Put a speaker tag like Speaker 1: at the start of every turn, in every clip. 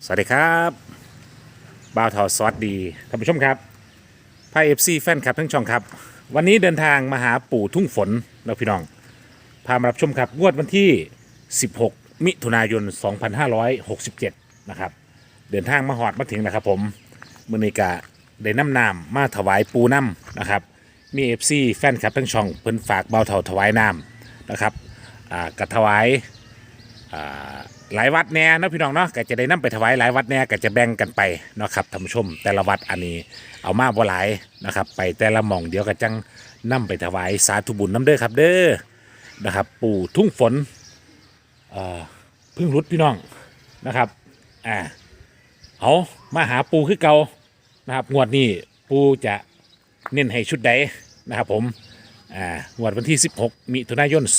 Speaker 1: สวัสดีครับบ่าวทอสวัสดีท่านผู้ชมครับพายเอฟซีแฟนคลับทั้งช่องครับวันนี้เดินทางมาหาปู่ทุ่งฝนแล้วพี่น้องพามารับชมครับงวดวันที่ 16 มิถุนายน 2567 นะครับเดินทางมาหอดมาถึงนะครับผมมือนี้กะได้น้ำนามมาถวายปูน้ำนะครับมีเอฟซีแฟนคลับทั้งช่องเพิ่นฝากบ่าวทอถวายน้ำนะครับกระถวาย หลายวัดแน่เนาะพี่น้องเนาะก็จะได้นำไปถวายหลายวัดแน่ก็จะแบ่งกันไปเนาะครับท่านผู้ชมแต่ละวัดอันนี้เอามาบ่หลายนะครับไปแต่ละหม่องเดี๋ยวก็จังนำไปถวายสาธุบุญน้ำเด้อครับเด้อนะครับปู่ทุ่งฝนเพึ่งรุดพี่น้องนะครับเอามาหาปูคือเก่านะครับงวดนี้ปูจะเน้นให้ชุดใดนะครับผมงวดวันที่ 16 มิถุนายน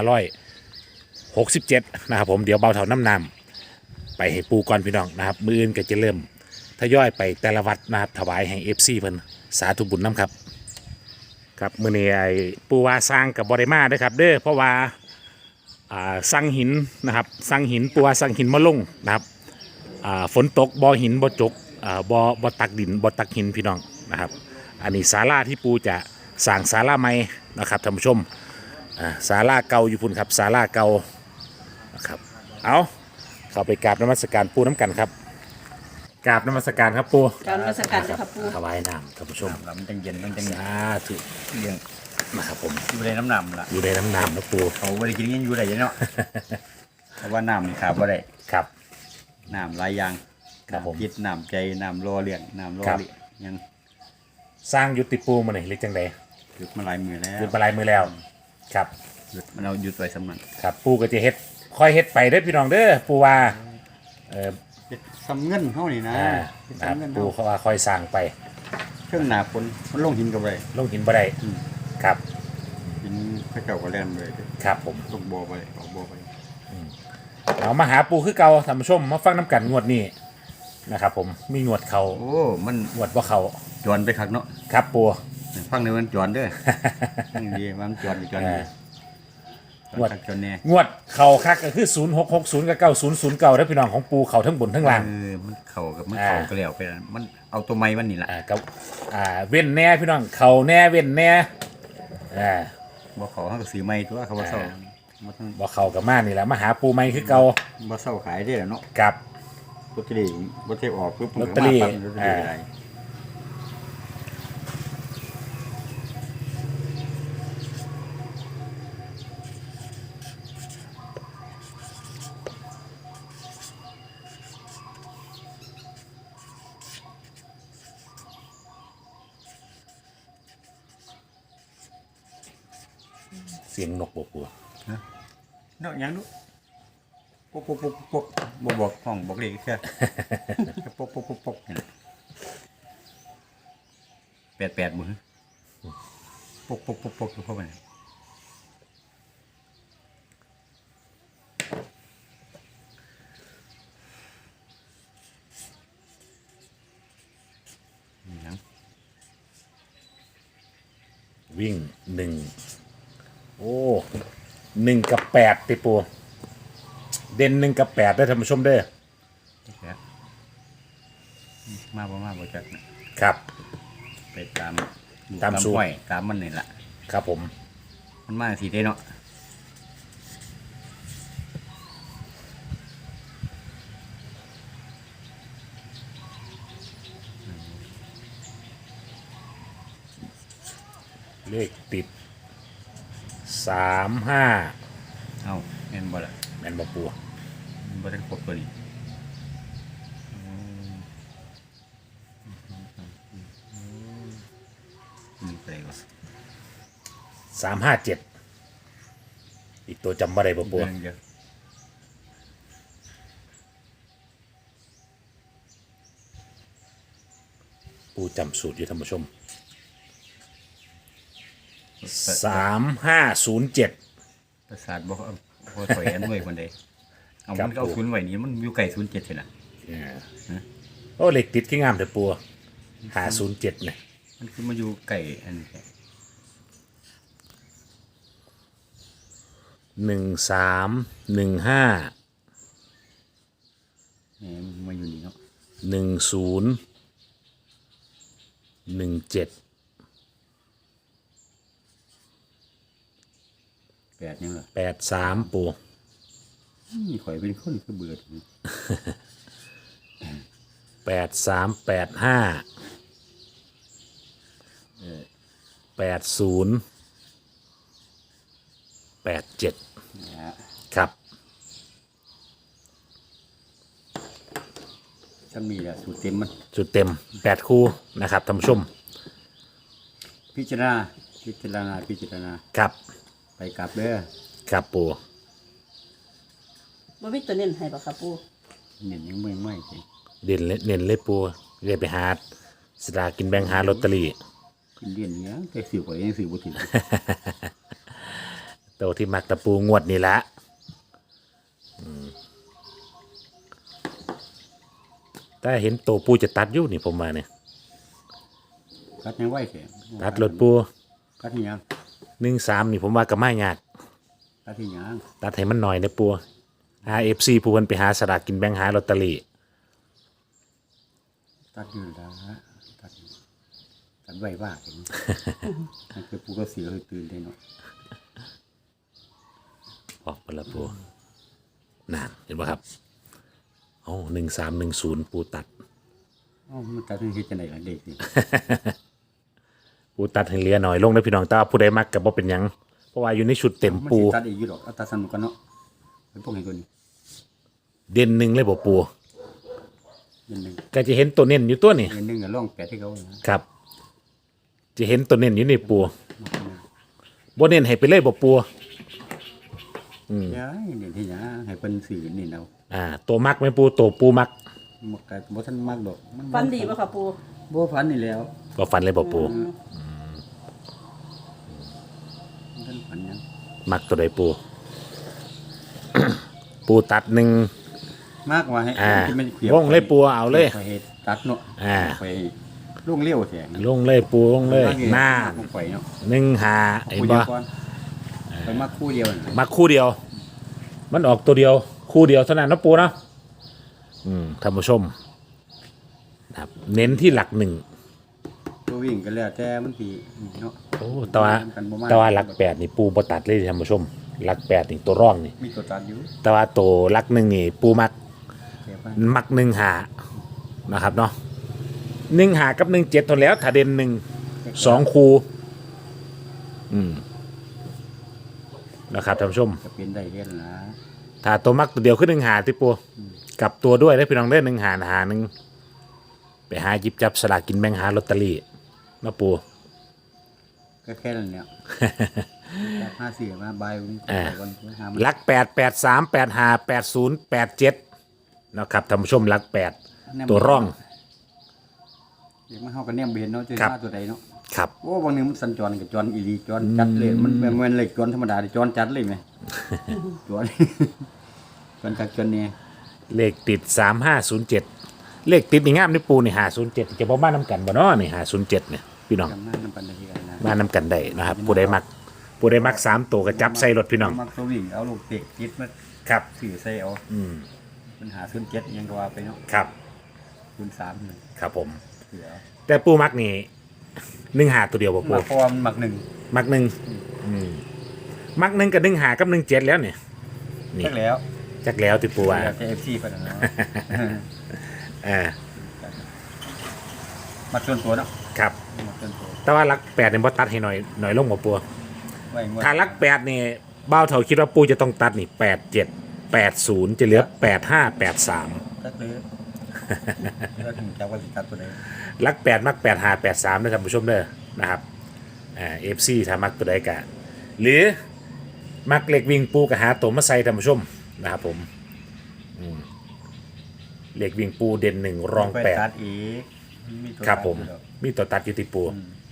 Speaker 1: 2567 นะครับผมเดี๋ยวเบาเท่าน้ำนำไปให้ปูก่อนพี่น้องนะครับมืออื่นก็จะเริ่มทยอยไปแต่ละวัดนะครับถวายให้เอฟซีเพิ่นสาธุบุญน้ำครับครับมือนี้ไอ้ปูว่าสร้างกับบริมาด้วยครับเด้อเพราะว่าสร้างหินนะครับสร้างหินปูว่าสร้างหินมาลงนะครับฝนตกบ่อหินบ่อจกบ่อตักดินบ่อตักหินพี่น้องนะครับอันนี้ศาลาที่ปูจะสร้างศาลาใหม่นะครับท่านผู้ชมศาลาเก่าอยู่พุ่นครับศาลาเก่านะครับเอาเข้าไปกราบนมัสการปูน้ำกันครับกราบนมัสการครับปู
Speaker 2: กรารนมัสการค่ะปู
Speaker 1: ถวายน้ำท่านผู้ชม
Speaker 3: มันจังเย็นมันจัง
Speaker 1: สาธุ
Speaker 3: เย็น
Speaker 1: นะครับผม
Speaker 3: อยู่ในน้ำน้ำล่ะ
Speaker 1: อยู่ในน้ำน้ำนะปู
Speaker 3: เขาไม่ได้กินกันอยู่ได้ยังเนาะ เพราะว่าน้ำนี่ขาดบ่ได้
Speaker 1: ครับ
Speaker 3: น้ำหลายอย่าง
Speaker 1: ครับผม
Speaker 3: น้ำพิษน้ำใจน้ำรอเลี้ยงน้ำรอ
Speaker 1: ครับ
Speaker 3: เลี้ยงยัง
Speaker 1: สร้างยุติปูมาหน่อยหรือจังใด
Speaker 3: หยุดมาหลายมือแล้ว
Speaker 1: หยุดมาลายมือแล้วครับ
Speaker 3: หยุดมันเอาหยุดไว้สำนัก
Speaker 1: ครับปูก็จะเฮ็ดคอยเฮ็ดไปเด้อพี่น้องเด้อปูว่า
Speaker 3: ซ้ำเงินเท่านี่นะ
Speaker 1: นะครับ
Speaker 3: ซ้ำเงิน
Speaker 1: ปู
Speaker 3: เท่า
Speaker 1: เขาว่าคอยสร้างไป
Speaker 3: เครื่องหนาฝนมันลงหินกับไร
Speaker 1: ลงหินบ่ได้ครับ
Speaker 3: หินพระเจ้าก็แล่นเลย
Speaker 1: ครับผม
Speaker 3: ลงบ่อไปออกบ่อไป
Speaker 1: เอามาหาปูคือเก่าท่านผู้ชมมาฟังน้ำกันงวดนี้นะครับผมมีงวดเขา
Speaker 3: โอ้มัน
Speaker 1: งวดว่าเขา
Speaker 3: จวนไปคักเนาะ
Speaker 1: ครับปู
Speaker 3: ฟังในมันจวนเด้อ นี่ดีมันจวนอยู่จวนอยู่จวนคักจวนแน่
Speaker 1: งวดเขาคักก็คือ0660กับ9009แล้วพี่น้องของปูเขาทั้งบนทั้งล่าง
Speaker 3: มันเข่ากับมันเข่าก็แล้วไปแล้วมันเอาตัวไม้มันนี่แหละ
Speaker 1: กับเว้นแน่พี่น้องเขาแน่เว้นแน่
Speaker 3: บ่เขาเขาก็ซื้อไม้ตัวเขาบ่เศร้าบ่ทั้ง
Speaker 1: บ่เขากับมานี่แหละมาหาปูใหม่คือเก่า
Speaker 3: บ่เศร้าขายได้แล้วเนาะ
Speaker 1: กับ
Speaker 3: ลอตเตอรี่บ่เทออกปุ๊บมัน
Speaker 1: ลอต
Speaker 3: ก็
Speaker 1: เตอรี่
Speaker 3: มาปั๊บลอตเตอรี่อะไร
Speaker 1: เสียงนกบ่ปู
Speaker 3: เนาะหยังดูปกปกปกปกบ่บอกห้องบอกเลขแค่ ปกปกปกปกนี่แหละ88มื้อปกปกปกปกอยู่เข้าไปหยัง
Speaker 1: วิ่ง1โอ้1กับ8ติปูเด่น1กับ8ได้อท่านผู้ชมเด้อ
Speaker 3: แค่มาบ่จักนะ
Speaker 1: ครับ
Speaker 3: ไปตาม
Speaker 1: ตามสูตร
Speaker 3: ห้วยตามมันนี่แหละ
Speaker 1: ครับผม
Speaker 3: มันมาสีได้เนาะ
Speaker 1: เลขติด35
Speaker 3: เอ้าแม่นบ่ล่ะ
Speaker 1: แม่นบ่ปู
Speaker 3: มันบ่ได้ครบตัวนี้นี่ไปวะ
Speaker 1: 357อีกตัวจำบ่ได้บ่ปู
Speaker 3: เดือนเดียว
Speaker 1: ปูจำสูตรอยู่ท่านผู้ชม3507
Speaker 3: ประสาทบ่ถอยอันไว้คนใดเอา
Speaker 1: ครั
Speaker 3: มั
Speaker 1: บ
Speaker 3: นก็เอาศูนย์ไว้นี่มันอยู่ไกล07ซี่น่ะ
Speaker 1: โอ้เลขติดคืองามแต่ปู507เนี่ย
Speaker 3: มันคือมาอยู่ไกลอันนี้แหละ
Speaker 1: 1315
Speaker 3: นี่มาอยู่นี่เนาะ
Speaker 1: 1017
Speaker 3: 8ยังล่ะ
Speaker 1: 83ปู
Speaker 3: นี่ข่อยเป็นคนคือเบื่อที
Speaker 1: 8385 80 87
Speaker 3: นะฮะ
Speaker 1: ครับ
Speaker 3: ถ้ามีแหละสูตรเต็มมัน
Speaker 1: จุดเต็ม8คู่นะครับท่านผู้ชม
Speaker 3: พิจารณาพิจารณา
Speaker 1: ครับ
Speaker 3: ไปกลับเด้อ
Speaker 1: ครับปู
Speaker 2: บ่มีตัวเน้นให้บ่ครับปู
Speaker 3: เน้นยังไม่สิ
Speaker 1: เด่นเน้นเลยปูเรียกไปหาสลากกินแบ่งหาลอตเตอรี่
Speaker 3: กินเรียนเนี้ยแต่สื่อข่อยยังสื่อบ่ถึง
Speaker 1: ตัวที่มักตะปูงวดนี่ละแต่เห็นตัวปูจะตัดอยู่นี่ผมมาเนี่ย
Speaker 3: กัดยังไหวแท้
Speaker 1: ตัดรถปู
Speaker 3: กัดที่ยัง
Speaker 1: 13นี่ผมว่าก็ไม่ยาก
Speaker 3: กัดที่ยัง
Speaker 1: ตัดให้มันหน่อยนะปูRFC ผู้เพิ่นไปหาสลากกินแบ่งหาลอตเตอรี่
Speaker 3: ตัดอยู่แล้วตัดไหวบ้าเห็นนั่นคือปูก็เสียเลยตื่นได้เนาะ
Speaker 1: ออกไปละปูนานเห็นป่ะครับโอ้1310ปูตัด
Speaker 3: อ๋อมันตัดให้เฮ็ดจังได๋ล่ะเด็กนี่
Speaker 1: ปูตัดให้เหลือหน่อยลงนะพี่น้องแต่ว่าผู้ใดมักก็บ่เป็นหยังเพราะว่าอยู่ในชุดเต็ม
Speaker 3: มัน
Speaker 1: ปู
Speaker 3: สิตัดอีกอยู่ดอกเอาตัดสนุกกันเนาะเป็นพวกนี้ตัวนี้
Speaker 1: เด่นหนึ่งเลยบ่ปู
Speaker 3: เดือนหนึง
Speaker 1: ก็จะเห็นตัวเน้นอยู่ตัวนี่
Speaker 3: เดือนหนึงก็ร่อง8ให้เขานะครับ
Speaker 1: จะเห็นตัวเน้นอยู่นี่ปูบ่เน้นให้ไปเลยบ่ปู
Speaker 3: ย้ายเด่นที่หยังให้เพิ่นสื่อนี่เอา
Speaker 1: ตัวมักไหมปูตัวปูมัก
Speaker 3: มักก็บ่ทันมักดอกมัน
Speaker 2: ฟันดีบ่ครับปู
Speaker 3: บ่ฟันนี่แล้ว
Speaker 1: ก็ฟันเลยบ่ปู
Speaker 3: มันทันฟันหยัง
Speaker 1: มักตัวใดปู ปูตัดหนึ่ง
Speaker 3: มากว่าให้ ที่มันขี
Speaker 1: วงเลยปูเอาเลย
Speaker 3: ไปฮ็ดตัดเนาะ
Speaker 1: อ่า
Speaker 3: ไปลุงเลี้ยวแท้
Speaker 1: ลงเลยปูลงเลยหน้า
Speaker 3: ไปเนาะ
Speaker 1: หนึ่งหาเห็น
Speaker 3: คู่เดี
Speaker 1: บ่
Speaker 3: ยวก่อนไปมาคู่เดียวน่ะ
Speaker 1: มักคู่เดียว มันออกตัวเดียว คู่เดียวเท่านั้นนะปูเนาะท่านผู้ชมนะครับเน้นที่หลักหนึ่ง
Speaker 3: ตัววิ่งก็แล้วแต่มันสิเนาะ
Speaker 1: โอ้แต่ว่าหลัก8นี่ปูบ่ตัดเลยท่านผู้ชมหลัก8นี่ตัวร่องนี่
Speaker 3: มีตัวตัดอยู่
Speaker 1: แต่ว่าตัวหลักหนึ่งนี่ปูมัก
Speaker 3: แต่ว่า
Speaker 1: มักหนึ่งหานะครับเนาะหนึ่งหากับ17ทนแล้วถ้าเด่นหนึ่ง2คูนะครับท่านผู้ชม
Speaker 3: จะเป็นได้เฮ็ดนะ
Speaker 1: ถ้าตัวมักตัวเดียวขึ้นหนึ่งหาที่ปูกลับตัวด้วยได้พี่น้องได้หนึ่งหาหนึ่งไปหาหยิบจับสลากกินแบ่งหาลอตเตอรี่นะปู
Speaker 3: ก็แค่นั้น เนี่ยจับ54มาบายวันหามัน
Speaker 1: ลัก8 83 85 80 87นะครับท่านผู้ชมลัก8ตัวร่อง
Speaker 3: เดี๋ยวมาเฮาก็แนมเห็นเนาะจะ
Speaker 1: ครับ
Speaker 3: มาตัวใดเนาะ
Speaker 1: ครับ
Speaker 3: โอ้บางนึงมันสัญจรกับจรอีหลีจรจัดเลยมันแม่นเลยจรธรรมดาดิจรจัดเลยไหม จร จรคักจรเนี่ย
Speaker 1: เลขติด 3507 เลขติดนี่งามนี่ปูนี่507จะบ่มานํกันบ่เนาะนี่507เนี่ยพี่น้อง
Speaker 3: จำหน้าน้ำปันได้ที่กันนะ
Speaker 1: มานํกันได้นะครับผู้ใดมัก3ตัวก็จับใส่รถพี่น้อง
Speaker 3: มักตัววิ่งเอาลูกเตะติดมา
Speaker 1: ครับ
Speaker 3: สื่อใส่เอาปัญหาศูนย์เจ็ดยังก็ว่าไปเนาะ
Speaker 1: ครับ
Speaker 3: ศูนย์สามเลย
Speaker 1: ครับผม
Speaker 3: เสือ
Speaker 1: แต่ปูมักนี่1หาตัวเดียวบ่ปู
Speaker 3: มาเพราะว่ามันหมักหนึ่ง
Speaker 1: มักหนึ่งมักหนึ่งกับ1หากับ17แล้วเนี่ยนี่
Speaker 3: แค่แล้ว
Speaker 1: จักแล้วที่ปูว่า
Speaker 3: แล้วจะเอฟซีไปแล้วเนาะ มาส่วนตัวเนาะ
Speaker 1: ครับ
Speaker 3: มาส่วนตัว
Speaker 1: แต่ว่าลัก8เนี่ยบ่ตัดให้หน่อยลงบ่ปู
Speaker 3: ไว้งวด
Speaker 1: ถ้าลัก8นี่เบ้าเท่าคิดว่าปูจะต้องตัดนี่87 80จะเหลือ85 83
Speaker 3: ก็คือแล้วถึงจะว่าสิตัดตัวใด
Speaker 1: ลัก8มัก85 83นะท่านผู้ชมเด้อนะครับFC ถ้ามักตัวใดก็หรือมักเล็กวิ่งปูก็หาตัวมาใส่ท่านผู้ชมนะครับผมเล็กวิ่งปูเด่น1รอง
Speaker 3: ไปตัดอีกมีตัว
Speaker 1: ครับผม
Speaker 3: ตัดอยู่ดอก
Speaker 1: มีตัวตัดอยู่ที่ปู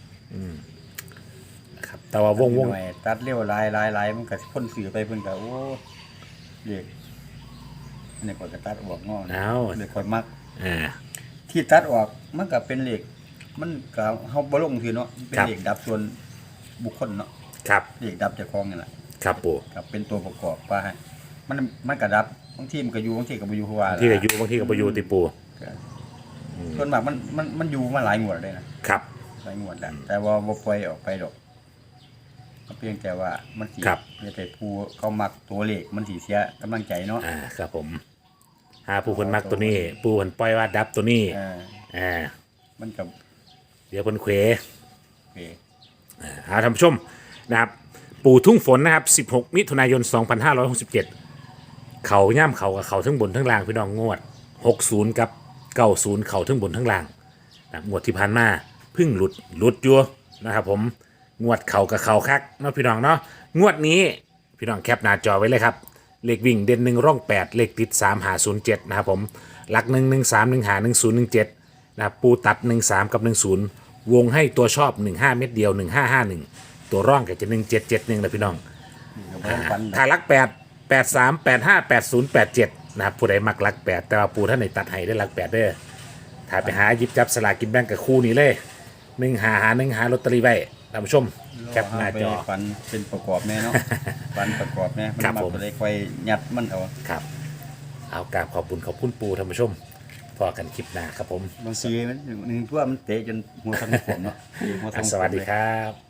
Speaker 1: นะครับแต่ว่าวง
Speaker 3: หน่อยตัดเร็วลายมันก็พ่นสื่อไปเพิ่นก็โอ้เด็กนี่ก็ตัดออกงอ
Speaker 1: เอา
Speaker 3: เด็กค่อยมัก
Speaker 1: อ่า
Speaker 3: ที่ตัดออกมันก็เป็นเหล็ก มันก็เฮาบ่ลงคือเนาะเป็น
Speaker 1: ครับ
Speaker 3: เหล็กดับส่วนบุคคลเนาะ
Speaker 1: ครับ
Speaker 3: เหล็กดับเจ้าของนี่แหละ
Speaker 1: ครับปู
Speaker 3: ครับเป็นตัวประกอบว่าให้มันก็ดับบางทีมันก็อยู่บางทีก็บ่อยู่เพราะว่า
Speaker 1: บางที่ก็อยู่บางที่ก็บ่อยู่ติปู
Speaker 3: ส่วนมากมันอยู่มาหลายงวดเลยนะครับ หลายงวดแล้วแต่ว่าบ่ปล่อยออกไปดอกก็เพียงแต่ว่ามันสิ
Speaker 1: ครับ
Speaker 3: แต่ผู้เขามักตัวเลขมันสิเสียกำลังใจเนาะ
Speaker 1: ครับผมหาผู้คนมักตัวนี้ ปูคนปล่อยว่าดับตัวนี้
Speaker 3: มันก็
Speaker 1: เดี๋ยวเพิ่นเขว
Speaker 3: โอเค
Speaker 1: ท่านผู้ชมนะครับ ปู่ทุ่งฝนนะครับ 16 มิถุนายน 2567 เขาย่ำเขากับเขาทั้งบนทั้งล่างพี่น้องงวด 60 กับ 90 เขาทั้งบนทั้งล่างนะครับงวดที่ผ่านมาเพึ่งหลุดอยู่นะครับผมงวดเขากับเขาคักเนาะพี่น้องเนาะงวดนี้พี่น้องแคปหน้าจอไว้เลยครับเลขวิ่งเด่น1ร่อง8เลขติด3หา07นะครับผมหลัก1 1 3 1หา1017นะครับปูตัด13กับ10วงให้ตัวชอบ15เม็ดเดียว1551ตัวร่องก็จะ1771นะพี่น้อง
Speaker 3: ก็บ่ต้องฟัน
Speaker 1: ถ้าลัก8 83 85 80 87นะครับผู้ใดมักลัก8แต่ว่าปูท่านในตัดให้ได้ลัก8เด้อถ้าไปหาหยิบจับสลากกินแบ่งกับคู่นี้เลย1หาลอตเตอรี่ไว้ท่านผู้ชมแคปหน้าจอ
Speaker 3: ฟันเป็นประกอบแม่เนาะ ฟันประกอบแม่มัน
Speaker 1: ครับ
Speaker 3: มา
Speaker 1: ผม
Speaker 3: ตัวใดค่อยยัดมันเอา
Speaker 1: ครับเอากราบขอบคุณปูท่านผู้ชมพอกันคลิปหน้าครับผม
Speaker 3: บางทีมันหนึ่งตัวมันเตะจนหัวทั้งผมเนาะหัวทั้ง
Speaker 1: สวัสดีครับ